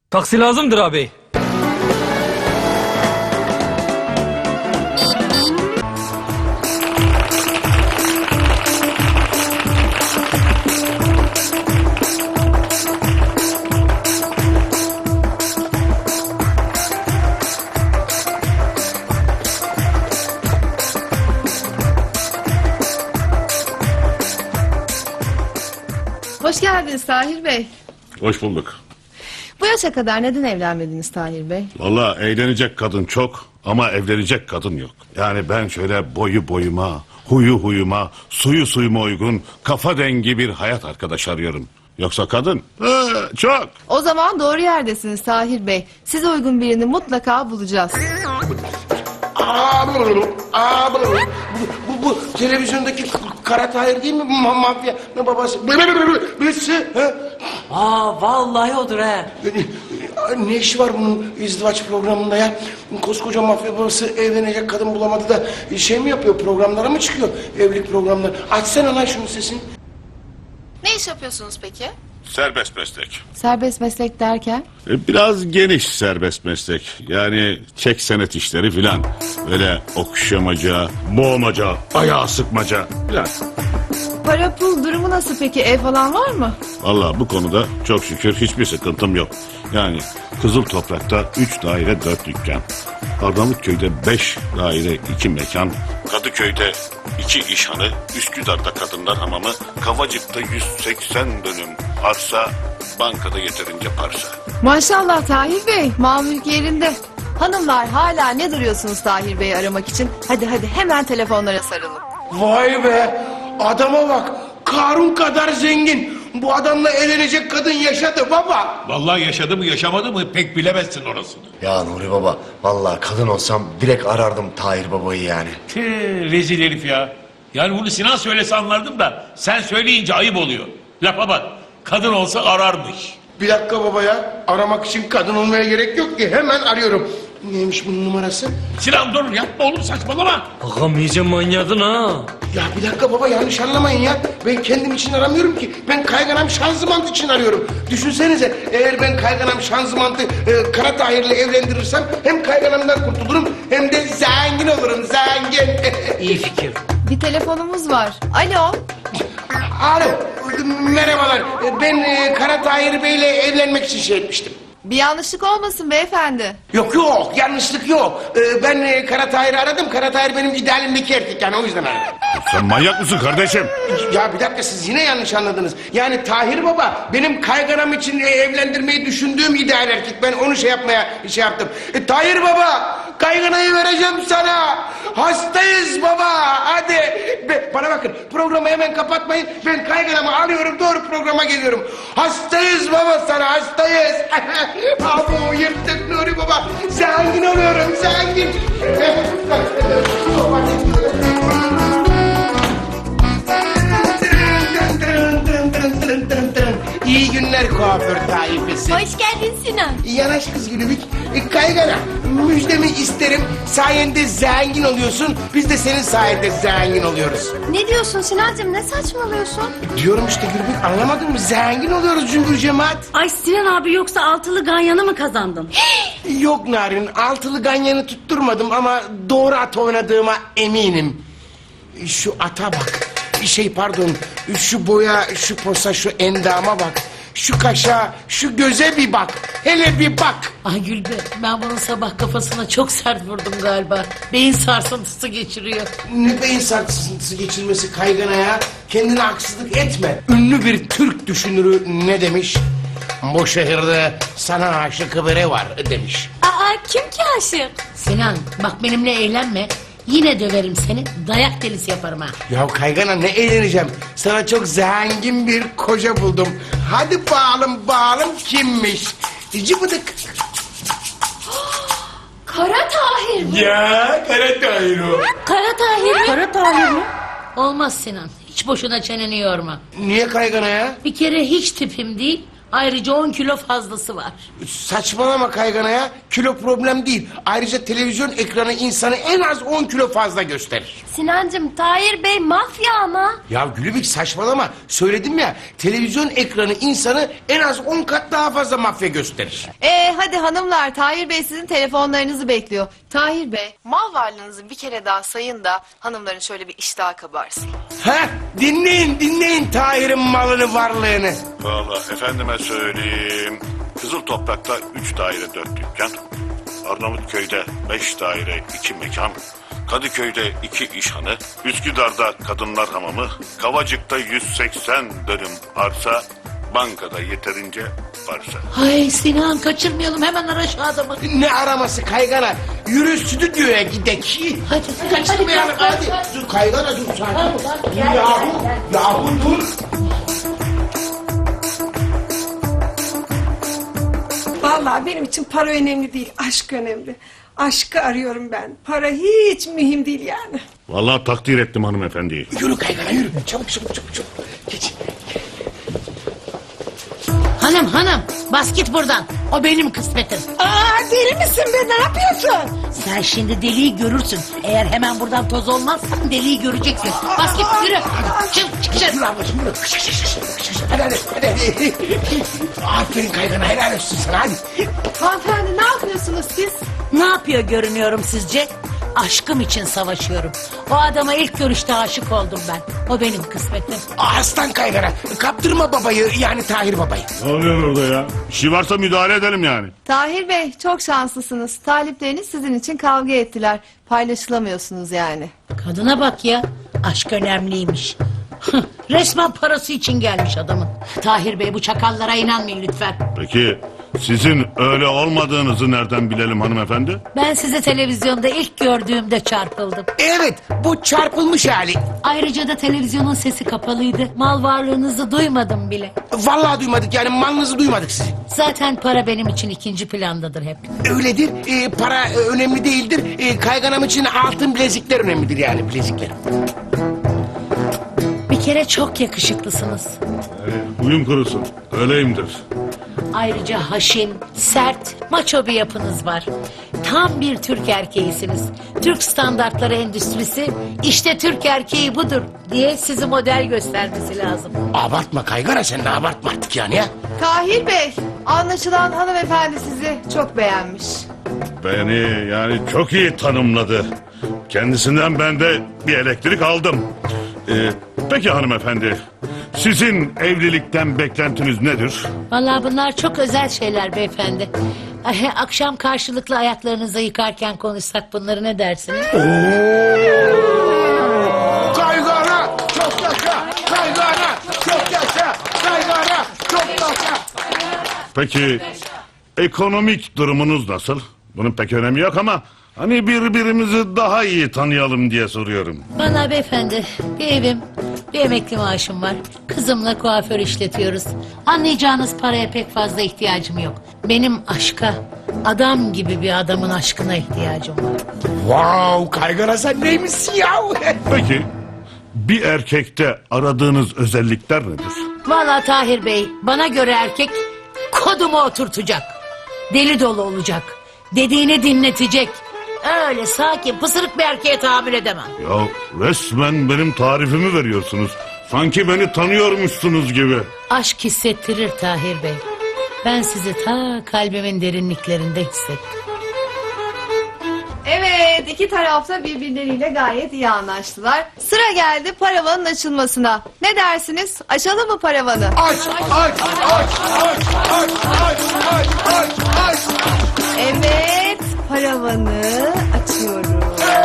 Taksi lazımdır abi. Hoş geldiniz Tahir Bey. Hoş bulduk. Bu yaşa kadar neden evlenmediniz Tahir Bey? Vallahi eğlenecek kadın çok ama evlenecek kadın yok. Yani ben şöyle boyu boyuma, huyu huyuma, suyu suyuma uygun, kafa dengi bir hayat arkadaş arıyorum. Yoksa kadın çok. O zaman doğru yerdesiniz Tahir Bey. Size uygun birini mutlaka bulacağız. Bu televizyondaki Kara Tahir değil mi? Mafya babası. Birisi. Vallahi odur he. Ne işi var bunun izdivaç programında ya? Koskoca mafya babası evlenecek kadın bulamadı da şey mi yapıyor? Programlara mı çıkıyor? Evlilik programları. Açsana lan şunun sesini. Ne iş yapıyorsunuz peki? Serbest meslek. Serbest meslek derken? Biraz geniş serbest meslek. Yani çek senet işleri filan. Böyle okşamaca, boğmaca, ayağı sıkmaca filan. Para pul durumu nasıl peki? Ev falan var mı? Vallahi bu konuda çok şükür hiçbir sıkıntım yok. Yani Kızıl Toprak'ta 3 daire 4 dükkan. Arnavutköy'de 5 daire 2 mekan. Kadıköy'de 2 işhanı. Üsküdar'da kadınlar hamamı. Kavacık'ta 180 dönüm arsa. Bankada yeterince parsa. Maşallah Tahir Bey. Mal mülk yerinde. Hanımlar hala ne duruyorsunuz Tahir Bey'i aramak için? Hadi hemen telefonlara sarılın. Vay be! Adama bak! Karun kadar zengin. Bu adamla evlenecek kadın yaşadı baba. Vallahi yaşadı mı yaşamadı mı pek bilemezsin orasını. Ya Nuri Baba, vallahi kadın olsam direkt arardım Tahir Baba'yı yani. Rezil herif ya. Yani bunu Sinan söylese anlardım da sen söyleyince ayıp oluyor. Lafa bak, kadın olsa ararmış. Bir dakika baba ya. Aramak için kadın olmaya gerek yok ki. Hemen arıyorum. Neymiş bunun numarası? Sinan dur yapma oğlum saçmalama. Ağam iyice manyadın ha. Ya bir dakika baba yanlış anlamayın ya. Ben kendim için aramıyorum ki. Ben kayganam şanzımant için arıyorum. Düşünsenize eğer ben kayganam şanzımantı Kara Tahir'le evlendirirsem hem kayganamdan kurtulurum hem de zengin olurum zengin. İyi fikir. Bir telefonumuz var. Alo. Alo merhabalar. Ben Kara Tahir Bey'le evlenmek için şey etmiştim. Bir yanlışlık olmasın beyefendi. Yok yanlışlık yok. Ben Kara Tahir'i aradım. Kara Tahir benim idealimdeki erkek yani o yüzden aradım. Sen manyak mısın kardeşim? Ya bir dakika siz yine yanlış anladınız. Yani Tahir Baba benim kayganam için evlendirmeyi düşündüğüm ideal erkek. Ben onu şey yaptım. Tahir Baba kayganayı vereceğim sana. Hastayız baba hadi. Bana bakın programı hemen kapatmayın. Ben kayganamı alıyorum doğru programa geliyorum. Hastayız baba sana hastayız. Abo yırttık Nuri Baba. Zengin oluyorum zengin. İyi günler kuaför taifesi. Hoş geldin Sinan. Yanaş kız gülübük. Kaygana müjdemi isterim. Sayende zengin oluyorsun. Biz de senin sayende zengin oluyoruz. Ne diyorsun Sinancığım, ne saçmalıyorsun? Diyorum işte Gülübük anlamadın mı? Zengin oluyoruz cümbür cemaat. Ay Sinan abi, yoksa altılı ganyanı mı kazandın? Yok Narin altılı ganyanı tutturmadım ama doğru at oynadığıma eminim. Şu ata bak. Pardon. Şu boya, şu posa, şu endama bak. Şu kaşa, şu göze bir bak. Hele bir bak. Ay Gülbe, ben bunun sabah kafasına çok sert vurdum galiba. Beyin sarsıntısı geçiriyor. Ne beyin sarsıntısı geçirmesi kaygana ya. Kendine haksızlık etme. Ünlü bir Türk düşünürü ne demiş? Bu şehirde sana aşık biri var demiş. Aa, kim ki aşık? Sinan bak benimle eğlenme. Yine döverim seni. Dayak delisi yaparım ha. Ya kaygana ne eğleneceğim. Sana çok zengin bir koca buldum. Hadi bağalım kimmiş? Cıbıdık. Kara Tahir mi? Ya Kara Tahir o. Kara Tahir mi? Kara Tahir mi? Olmaz Sinan. Hiç boşuna çeneni yorma. Niye kaygana ya? Bir kere hiç tipim değil. Ayrıca 10 kilo fazlası var. Saçmalama kaygana ya. Kilo problem değil. Ayrıca televizyon ekranı insanı en az 10 kilo fazla gösterir. Sinancım Tahir Bey mafya ama. Ya Gülübük saçmalama. Söyledim ya, televizyon ekranı insanı en az 10 kat daha fazla mafya gösterir. Hadi hanımlar, Tahir Bey sizin telefonlarınızı bekliyor. Tahir Bey, mal varlığınızı bir kere daha sayın da hanımların şöyle bir iştahı kabarsın. Ha, dinleyin Tahir'in malını varlığını. Vallahi efendime söyleyeyim. Kızıl Toprak'ta 3 daire 4 dükkan. Arnavutköy'de 5 daire 2 mekan. Kadıköy'de 2 işhanı. Üsküdar'da kadınlar hamamı. Kavacık'ta 180 dönüm arsa. Bankada yeterince varsa. Ay Sinan kaçırmayalım, hemen ara şu adamı. Ne araması kaygana? Yürü stüdyoya gidek. Hadi. Kaçırmayalım hadi. Dur kaygana dur sakin. Dur yahu dur. Vallahi benim için para önemli değil, aşk önemli. Aşkı arıyorum ben. Para hiç mühim değil yani. Vallahi takdir ettim hanımefendiyi. Yürü kaygana yürü. Çabuk. Geç. Hanım bas git buradan. O benim kısmetim. Aa, deli misin be, ne yapıyorsun? Sen şimdi deliği görürsün. Eğer hemen buradan toz olmazsan deliği göreceksin. Bas git yürü. Çık dışarı. Yürü ablacığım yürü. Hadi. Aferin kaygana, helal olsun sana hadi. Hanımefendi ne yapıyorsunuz siz? Ne yapıyor görünüyorum sizce? Aşkım için savaşıyorum. O adama ilk görüşte aşık oldum ben. O benim kısmetim. Aslan kaygana, kaptırma babayı yani Tahir babayı. Ne oluyor orada ya? Bir şey varsa müdahale edelim yani. Tahir Bey çok şanslısınız. Talipleriniz sizin için kavga ettiler. Paylaşılamıyorsunuz yani. Kadına bak ya. Aşk önemliymiş. Resmen parası için gelmiş adamın. Tahir Bey bu çakallara inanmayın lütfen. Peki sizin öyle olmadığınızı nereden bilelim hanımefendi? Ben sizi televizyonda ilk gördüğümde çarpıldım. Evet, bu çarpılmış hali. Ayrıca da televizyonun sesi kapalıydı. Mal varlığınızı duymadım bile. Vallahi duymadık yani, malınızı duymadık sizi. Zaten para benim için ikinci plandadır hep. Öyledir, para önemli değildir. Kayganam için altın bilezikler önemlidir yani, bilezikler. Bir kere çok yakışıklısınız. Huyum kurusun. Öyleyimdir. Ayrıca haşin, sert, maço bir yapınız var. Tam bir Türk erkeğisiniz. Türk standartları endüstrisi, işte Türk erkeği budur diye sizi model göstermesi lazım. Abartma kaygana, sen de abartma artık yani ya. Tahir Bey, anlaşılan hanımefendi sizi çok beğenmiş. Beni yani çok iyi tanımladı. Kendisinden ben de bir elektrik aldım. Peki hanımefendi, sizin evlilikten beklentiniz nedir? Vallahi bunlar çok özel şeyler beyefendi. Akşam karşılıklı ayaklarınızı yıkarken konuşsak bunları ne dersiniz? Kaygana çok yaşa, kaygana çok yaşa, kaygana çok yaşa. Peki ekonomik durumunuz nasıl? Bunun pek önemi yok ama hani birbirimizi daha iyi tanıyalım diye soruyorum. Bana beyefendi bir evim, bir emekli maaşım var. Kızımla kuaför işletiyoruz. Anlayacağınız paraya pek fazla ihtiyacım yok. Benim aşka, adam gibi bir adamın aşkına ihtiyacım var. Wow, kaygana sen neymişsin ya? Peki bir erkekte aradığınız özellikler nedir? Vallahi Tahir Bey, bana göre erkek kodumu oturtacak. Deli dolu olacak. Dediğini dinletecek. Öyle sakin, pısırık bir erkeğe tahammül edemem. Ya resmen benim tarifimi veriyorsunuz. Sanki beni tanıyormuşsunuz gibi. Aşk hissettirir Tahir Bey. Ben sizi ta kalbimin derinliklerinde hissettim. Evet, iki tarafta birbirleriyle gayet iyi anlaştılar. Sıra geldi paravanın açılmasına. Ne dersiniz? Açalım mı paravanı? Aç. Evet, paravanı açıyorum.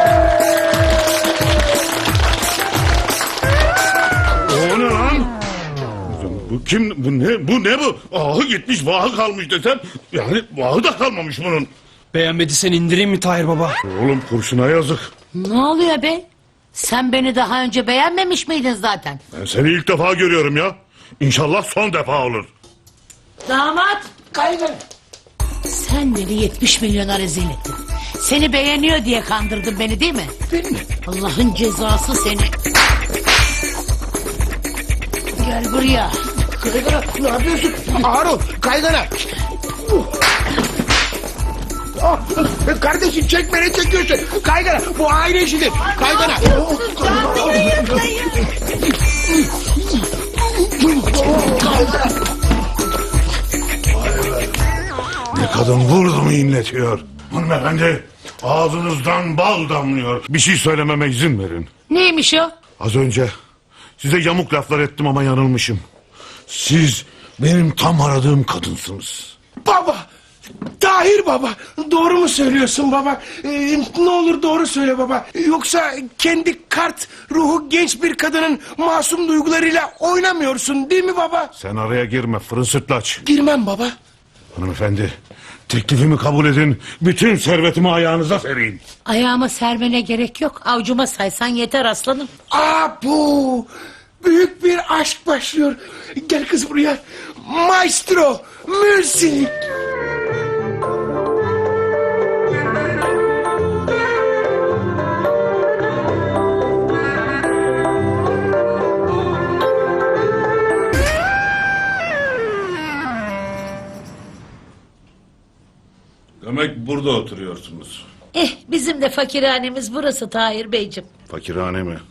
O ne lan? Bu kim? Bu ne bu? Ahı gitmiş, vahı kalmış desem. Yani vahı da kalmamış bunun. Beğenmediysen indireyim mi Tahir baba? Oğlum kurşuna yazık. Ne oluyor be? Sen beni daha önce beğenmemiş miydin zaten? Ben seni ilk defa görüyorum ya. İnşallah son defa olur. Damat! Kaygana. Sen beni 70 milyona rezil ettin. Seni beğeniyor diye kandırdın beni değil mi? Allah'ın cezası seni. Gel buraya. Kaygana ne yapıyorsun? Ağır ol kaygana. Ah, kardeşim çekme ne çekiyorsun? Kaygana bu aile işidir. Kaygana. Ne kadın vurdu inletiyor. Hanımefendi ağzınızdan bal damlıyor. Bir şey söylememe izin verin. Neymiş o? Az önce size yamuk laflar ettim ama yanılmışım. Siz benim tam aradığım kadınsınız. Baba. Tahir baba. Doğru mu söylüyorsun baba? Ne olur doğru söyle baba. Yoksa kendi kart ruhu genç bir kadının masum duygularıyla oynamıyorsun değil mi baba? Sen araya girme fırın sırtlaç. Girmem baba. Hanımefendi teklifimi kabul edin. Bütün servetimi ayağınıza sereyim. Ayağıma sermene gerek yok. Avcuma saysan yeter aslanım. Bu büyük bir aşk başlıyor. Gel kız buraya. Maestro, müzik. Demek burada oturuyorsunuz. Bizim de fakirhanemiz burası Tahir Beyciğim. Fakirhane mi?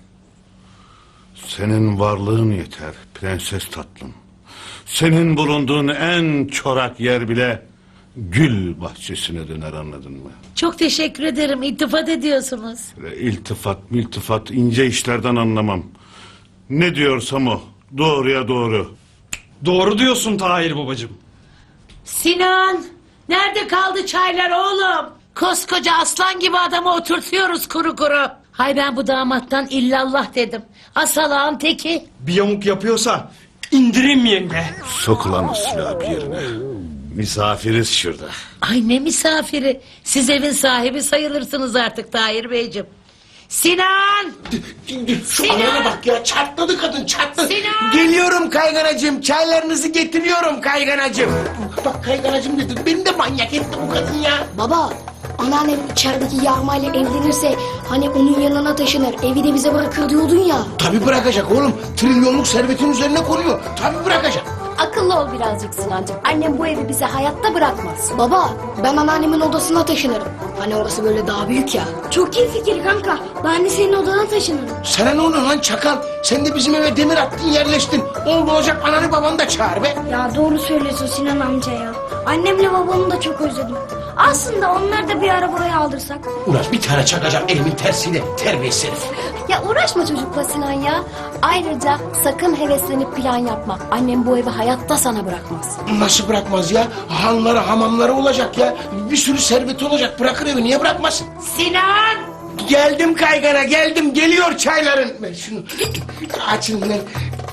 Senin varlığın yeter prenses tatlım. Senin bulunduğun en çorak yer bile gül bahçesine döner, anladın mı? Çok teşekkür ederim. İltifat ediyorsunuz. İltifat ince işlerden anlamam. Ne diyorsam o. Doğruya doğru. Doğru diyorsun Tahir babacığım. Sinan! Nerede kaldı çaylar oğlum? Koskoca aslan gibi adamı oturtuyoruz kuru kuru. Hay ben bu damattan illallah dedim. Asalağın teki. Bir yamuk yapıyorsa indireyim yenge. Sok ulan o silahı bir yerine. Misafiriz şurada. Ay ne misafiri. Siz evin sahibi sayılırsınız artık Tahir Beyciğim. Sinan! Şu anana bak ya, çatladı kadın, çatladı. Sinan! Geliyorum kayganacığım, çaylarınızı getiriyorum kayganacığım. Bak kayganacığım dedi, beni de manyak etti bu kadın ya. Baba, anneannem içerideki yağmayla evlenirse hani onun yanına taşınır, evi de bize bırakır diyordun ya. Tabii bırakacak oğlum, trilyonluk servetin üzerine konuyor. Tabii bırakacak. Akıllı ol birazcık Sinancığım. Annem bu evi bize hayatta bırakmaz. Baba, ben anneannemin odasına taşınırım. Hani orası böyle daha büyük ya. Çok iyi fikir kanka. Ben de senin odana taşınırım. Sana ne oluyor lan çakal? Sen de bizim eve demir attın, yerleştin. Oldu olacak ananı babanı da çağır be. Ya doğru söylüyorsun Sinan amca ya. Annemle babamı da çok özledim. Aslında onları da bir ara buraya aldırsak. Ulan bir tane çakacağım elimin tersiyle, terbiyesiz herif. Ya uğraşma çocukla Sinan ya. Ayrıca sakın heveslenip plan yapma. Annem bu evi hayatta sana bırakmaz. Nasıl bırakmaz ya? Hanları, hamamları olacak ya. Bir sürü serveti olacak. Bırakır evi, niye bırakmasın? Sinan! Geldim kaygana, geldim. Geliyor çayların. Ben şunu açın lan.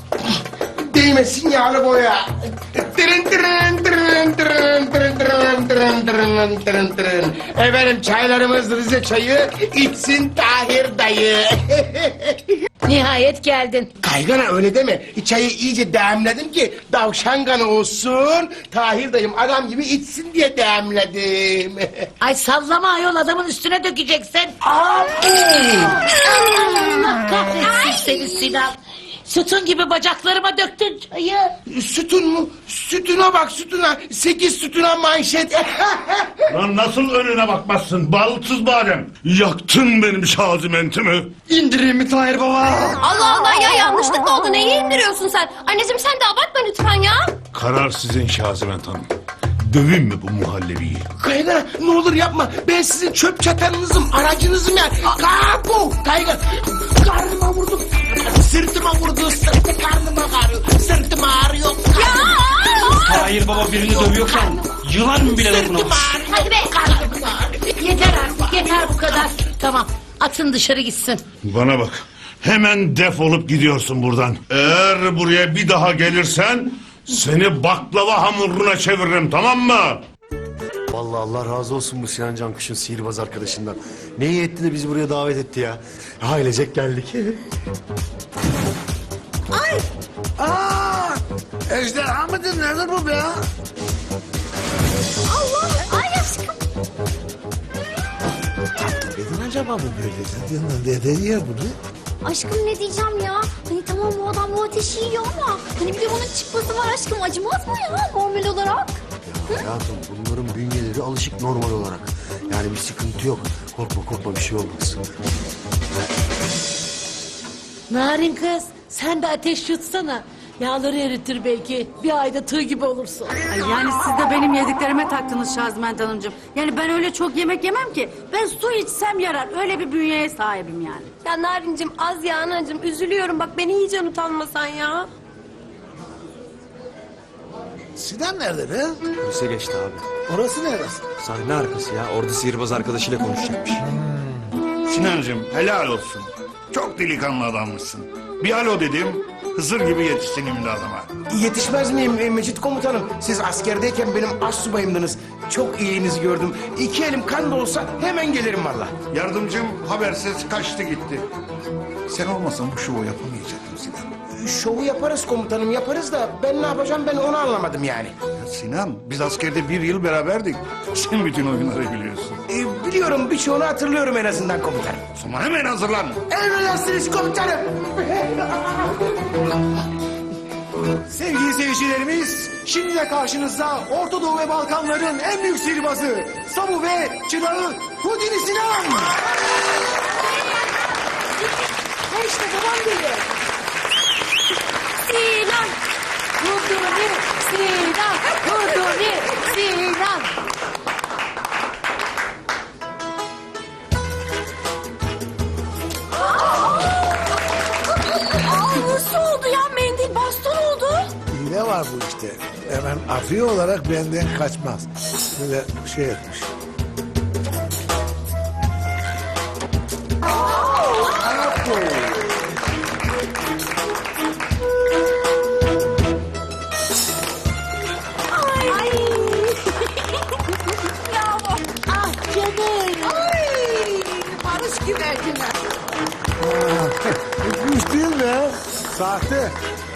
Değmesin yağlı boya. Tırın tırın tırın tırın tırın tırın tırın tırın tırın tırın. Efendim çaylarımız Rize çayı, içsin Tahir dayı. Nihayet geldin. Kaygana öyle deme. Çayı iyice demledim ki davşan kanı olsun. Tahir dayım adam gibi içsin diye demledim. Ay sallama ayol, adamın üstüne dökeceksin. Abi! Allah kahretsin seni Sinan. Sütun gibi bacaklarıma döktün çayı. Sütun mu? Sütuna bak sütuna. 8 sütuna manşet. Lan nasıl önüne bakmazsın balıksız badem? Yaktın benim şazimentimi. İndireyim mi Tahir baba? Allah Allah ya, yanlışlık oldu. Neyi indiriyorsun sen? Anneciğim sen de abartma lütfen ya. Karar sizin Şaziment Hanım. Dövün mü bu muhallebiyi? Kaygana ne olur yapma. Ben sizin çöp çatanınızım, aracınızım ya. Kapu! Kaygana. Karnıma vurdu. Sırtıma vurdu. Sırtı karnıma ağrıyor. Sırtım ağrıyor. Tahir baba birini dövüyorken yılan mı bile dokunamaz? Hadi be. Yeter artık, yeter bu kadar. Tamam, atın dışarı gitsin. Bana bak. Hemen defolup gidiyorsun buradan. Eğer buraya bir daha gelirsen seni baklava hamuruna çeviririm, tamam mı? Vallahi Allah razı olsun bu Sinan Cankuş'un sihirbaz arkadaşından. Ne iyi etti de bizi buraya davet etti ya. Ailecek geldik. Ejderha mıdır nedir bu be ya? Allah, ay aşkım. Neden acaba bu böyle? Neden yer bunu? Aşkım ne diyeceğim ya? Hani tamam bu adam bu ateşi yiyor ama hani bir de bunun çıkması var aşkım, acımaz mı ya normal olarak? Hayatım bunların bünyeleri alışık normal olarak. Yani bir sıkıntı yok. Korkma bir şey olmaz. Narin kız sen de ateş yutsana. Yağları eritir belki. Bir ayda tığ gibi olursun. Ay yani siz de benim yediklerime taktınız Şazment Hanımcığım. Yani ben öyle çok yemek yemem ki. Ben su içsem yarar. Öyle bir bünyeye sahibim yani. Ya Narincim az ya anacığım, üzülüyorum bak, beni iyice utanmasan ya. Sinan nerede be? Lise geçti abi. Orası neresi? Sahne arkası ya. Orada sihirbaz arkadaşıyla konuşacakmış. Sinancığım helal olsun. Çok delikanlı adammışsın. Bir alo dedim, Hızır gibi yetiştin imdadıma. Yetişmez miyim Mecit komutanım? Siz askerdeyken benim astsubayımdınız. Çok iyiliğinizi gördüm. 2 elim kan da olsa hemen gelirim valla. Yardımcım habersiz kaçtı gitti. Sen olmasan bu şovu yapamayacaktım Sinan. Şovu yaparız komutanım, yaparız da ben ne yapacağım, ben onu anlamadım yani. Ya Sinan, biz askerde 1 yıl beraberdik. Sen bütün oyunları biliyorsun. Biliyorum, birçoğunu hatırlıyorum en azından komutanım. O zaman hemen hazırlan. Emredersiniz komutanım. Sevgili seyircilerimiz, şimdi de karşınızda Orta Doğu ve Balkanların en büyük sihirbazı, Samu ve çırağı Houdini Sinan. Ha işte babam geliyor. Sinan! Huduni Sinan! Huduni Sinan! Nasıl oldu ya, mendil baston oldu. Hile var bu işte. Hemen afiye olarak benden kaçmaz. Böyle şey etmiş. Ay. Bravo. Ah canım! Barış güvercinler. Kuş değil mi? Sahte.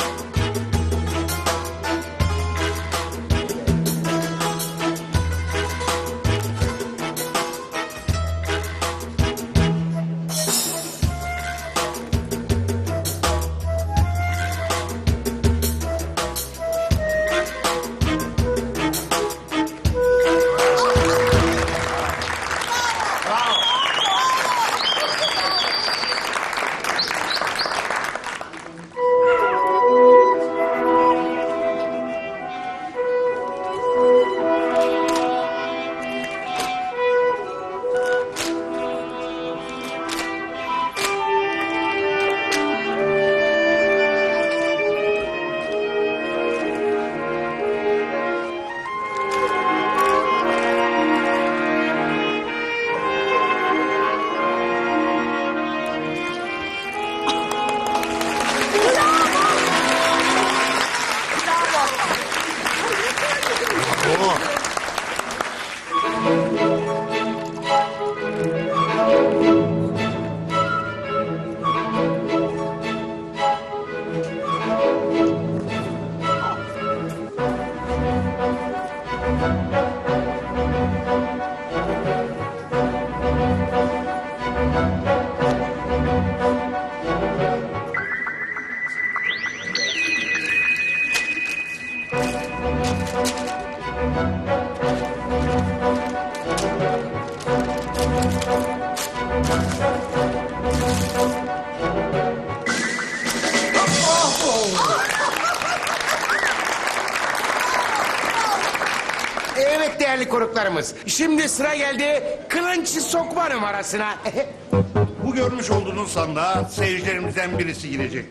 Evet değerli konuklarımız. Şimdi sıra geldi kılınç sokma numarasına. Bu görmüş olduğunuz sandığa seyircilerimizden birisi girecek.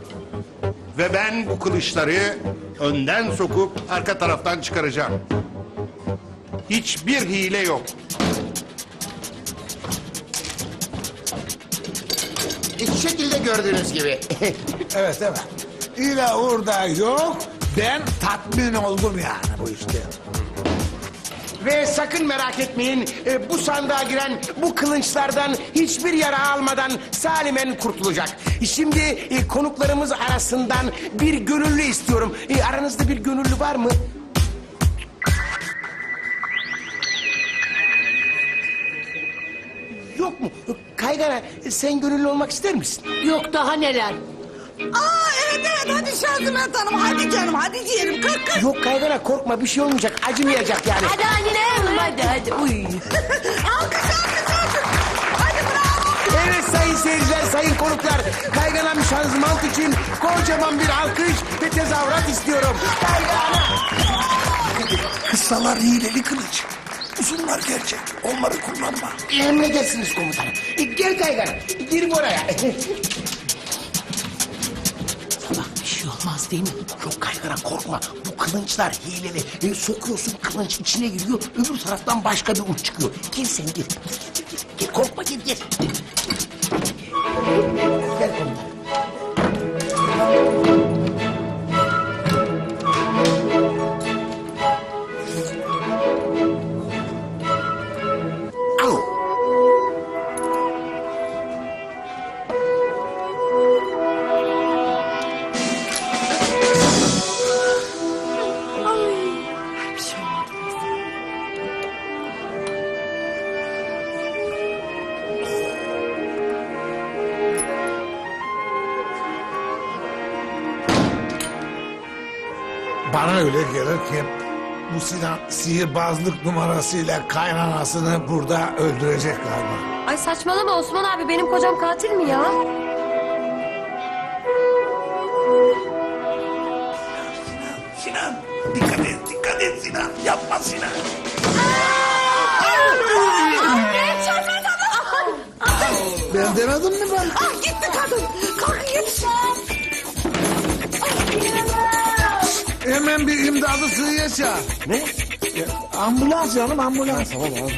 Ve ben bu kılıçları önden sokup arka taraftan çıkaracağım. Hiçbir hile yok. İki şekilde gördüğünüz gibi. Evet. İle orada yok. Ben tatmin oldum yani bu işte. Ve sakın merak etmeyin, bu sandığa giren bu kılınçlardan hiçbir yara almadan salimen kurtulacak. Şimdi konuklarımız arasından bir gönüllü istiyorum. Aranızda bir gönüllü var mı? Yok mu? Kaygana sen gönüllü olmak ister misin? Yok daha neler. Evet hadi Şaziment Hanım hadi canım hadi diyelim kalk. Yok Kaygana korkma bir şey olmayacak acımayacak yani. Hadi anne hadi uy. Evet sayın seyirciler, sayın konuklar. Kayganam şanzıman için kocaman bir alkış ve tezahürat istiyorum. Kaygana. Kıssalar hileli kılıç. Uzunlar gerçek. Onları kullanma. Emredersiniz komutanım. Gel Kaygana, girin oraya. Bak bir şey olmaz değil mi? Yok Kaygana korkma. Bu kılınçlar hileli. Sokuyorsun kılınç içine giriyor. Öbür taraftan başka bir uç çıkıyor. Gel sen gir. Gel korkma gel. Gel komutanım. Al. Bana öyle gelir ki bu Sinan sihirbazlık numarasıyla kaynanasını burada öldürecek galiba. Ay saçmalama Osman abi benim kocam katil mi ya? Sinan dikkat et Sinan. Yapma Sinan. Ben demedim mi ben? Gitti kadın. Kalk yetiş. Hemen bir imdadı sığıya çağır. Ne? Ambulans canım ambulans. Tamam abi.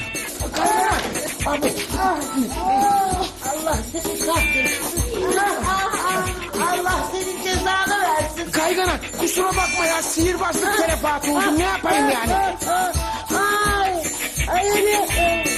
Allah seni kahretsin. Allah senin cezanı versin. Kaygana kusura bakma ya sihirbazlık terefatı oldu ne yapayım yani? Ay,